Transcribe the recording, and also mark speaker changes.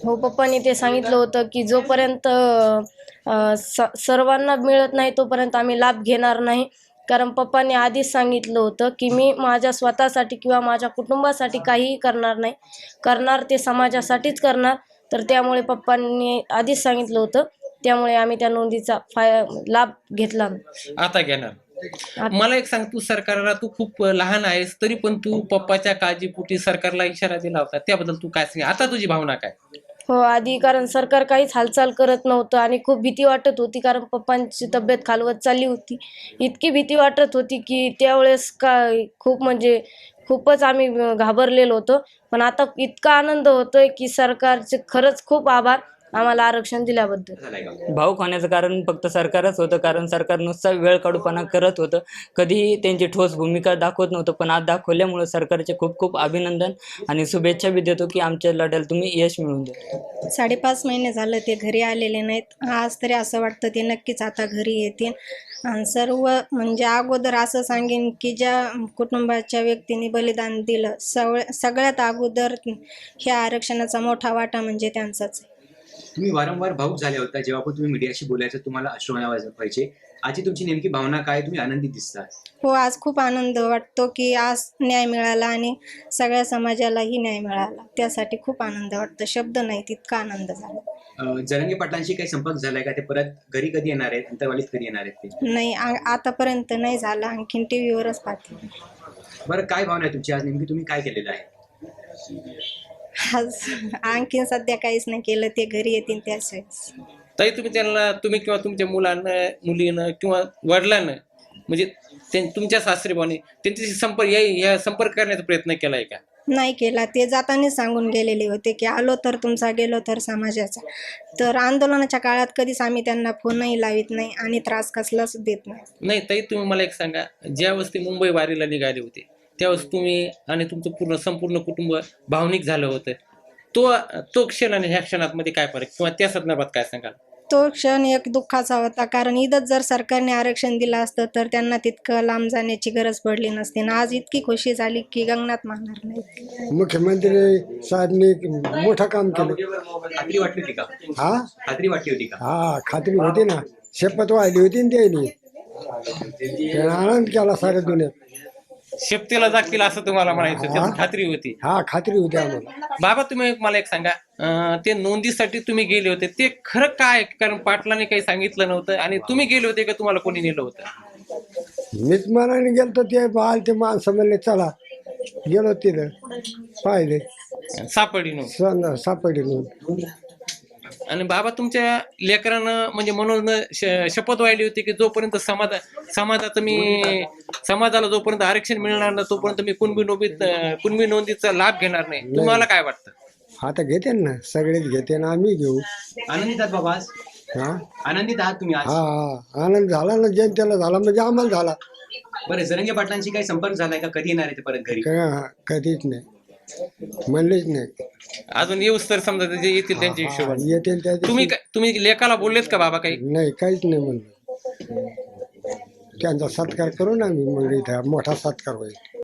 Speaker 1: हो, पप्पांनी ते सांगितलं होतं की जोपर्यंत सर्वांना मिळत नाही तोपर्यंत आम्ही लाभ घेणार नाही. कारण पप्पांनी आधीच सांगितलं होतं की मी माझ्या स्वतःसाठी किंवा माझ्या कुटुंबासाठी काहीही करणार नाही. करणार ते समाजासाठीच करणार. तर त्यामुळे पप्पांनी आधीच सांगितलं होतं. त्यामुळे आम्ही त्या नोंदीचा लाभ घेतला.
Speaker 2: आता घेणार. मला एक सांग, तू सरकारला तू खूप लहान आहेस तरी पण तू पप्पाच्या काळजीपोटी सरकारला इशारा दिला होता, त्याबद्दल तू काय सांग, आता तुझी भावना काय?
Speaker 1: हो, आधी कारण सरकार काहीच हालचाल करत नव्हतं आणि खूप भीती वाटत होती कारण पप्पांची तब्येत खालवत चालली होती. इतकी भीती वाटत होती की त्यावेळेस खूप म्हणजे खूपच आम्ही घाबरलेलो होतो. पण आता इतका आनंद होतोय की सरकारचे खरंच खूप आभार आम्हाला आरक्षण दिल्याबद्दल.
Speaker 3: भावुक होण्याचं कारण फक्त सरकारच होतं, कारण सरकार नुसता वेळ काढूपणा करत होतं. कधीही त्यांची ठोस भूमिका दाखवत नव्हतं, पण आज दाखवल्यामुळे सरकारचे खूप खूप अभिनंदन आणि शुभेच्छा बी देतो की आमच्या लढ्याला तुम्ही यश मिळवून द्या.
Speaker 4: 5.5 महिने झालं ते घरी आलेले नाहीत. आज तरी असं वाटतं ते नक्कीच आता घरी येतील. आणि सर्व म्हणजे अगोदर असं सांगेन की ज्या कुटुंबाच्या व्यक्तींनी बलिदान दिलं सगळ्यात अगोदर ह्या आरक्षणाचा मोठा वाटा म्हणजे त्यांचाच आहे.
Speaker 5: तुम्ही वारंवार भाऊक झाले होता जेव्हा पण तुम्ही मीडियाशी बोलायचं, तुम्हाला अश्रू व्हायचे. आजची तुमची नेमकी भावना काय? तुम्ही आनंदी दिसता.
Speaker 4: हो, आज खूप आनंद वाटतो की आज न्याय मिळाला आणि सगळ्या समाजालाही न्याय मिळाला. त्यासाठी खूप आनंद वाटतो. शब्द नाही, तितका आनंद झाला.
Speaker 5: जरांगे पाटलांशी काही संपर्क झालाय का? ते परत घरी कधी येणार आहेत? अंतरवालीत कधी येणार आहेत ते?
Speaker 4: नाही, आतापर्यंत नाही झाला. आणखीन टीव्हीवरच पाहते.
Speaker 5: बरं, काय भावना आहे तुमची आज? नेमकी तुम्ही काय केलेलं आहे?
Speaker 4: आज आणखीन सध्या काहीच नाही केलं. ते घरी येतील त्याच वेळेस.
Speaker 2: तरी तुम्ही किंवा तुमच्या मुलांना, मुलीनं किंवा वडिलांना, म्हणजे तुमच्या सासरेबाने त्यांच्याशी संपर्क करण्याचा प्रयत्न केलाय का?
Speaker 4: नाही केला. ते जाताना सांगून गेलेले होते की आलो तर तुमचा, गेलो तर समाजाचा. तर आंदोलनाच्या काळात कधीच आम्ही त्यांना फोनही लावित नाही आणि त्रास कसलाच देत नाही.
Speaker 2: नाही, तरी तुम्ही मला एक सांगा, ज्यावेळेस ते मुंबई वारीला निघाले होते त्यावेळेस तुम्ही आणि तुमचं संपूर्ण कुटुंब भावनिक झालं होतं. तो क्षण आणि ह्या क्षणात काय फरक, किंवा त्या संदर्भात काय सांगाल?
Speaker 4: तो क्षण एक दुःखाचा होता, कारण इथंच जर सरकारने आरक्षण दिलं असतं तर त्यांना तितकं लांब जाण्याची गरज पडली नसती. आणि आज इतकी खुशी झाली की गगनात मानणार नाही.
Speaker 6: मुख्यमंत्री साहेबांनी मोठं काम केलं.
Speaker 5: खात्री वाटली होती का?
Speaker 6: हा,
Speaker 5: खात्री वाटली होती का?
Speaker 6: हा, खात्री होती ना. शपथ वाहिली होती ना त्यांनी. आनंद केला साऱ्या दुनियेत.
Speaker 2: शेपटीला जातील असं तुम्हाला म्हणायचं, त्याची खात्री होती?
Speaker 6: हा, खात्री होती आम्हाला.
Speaker 2: बाबा, तुम्ही मला एक सांगा, ते नोंदीसाठी तुम्ही गेले होते ते खरं काय? कारण पाटलाने काही सांगितलं नव्हतं आणि तुम्ही गेले होते का तुम्हाला कोणी नेलं होतं?
Speaker 6: मीच मनाने गेलतो. ते बाल ते माणसं म्हणले चला, गेलो तिथं, पाहिले सापडी नोंद.
Speaker 2: आणि बाबा, तुमच्या लेकरानं म्हणजे म्हणून शपथ वाहिली होती की जोपर्यंत समाजाला जोपर्यंत आरक्षण मिळणार नाही तोपर्यंत मी कुणबी नोंदीचा लाभ घेणार नाही. तुम्हाला काय वाटतं?
Speaker 6: आता घेते ना, सगळेच घेते ना, आम्ही घेऊ.
Speaker 5: आनंदीत आहात बाबा आज?
Speaker 6: हा,
Speaker 5: आनंदीत आहात तुम्ही आज?
Speaker 6: हा, आनंद झाला ना. जनतेला झाला म्हणजे आम्हाला झाला.
Speaker 5: बरं, जरांगे पाटलांशी काही संपर्क झालाय का? कधी येणार आहे ते परत घरी?
Speaker 6: कधीच नाही, म्हणलेच नाही.
Speaker 2: अजून येऊस तर समजा जे येतील त्यांच्या हिशोबाने
Speaker 6: येतील त्या दिवशी.
Speaker 2: तुम्ही लेकाला बोललेत का बाबा काही?
Speaker 6: नाही, काहीच नाही म्हणलं. त्यांचा सत्कार करू ना आम्ही, मग इथं मोठा सत्कार होईल.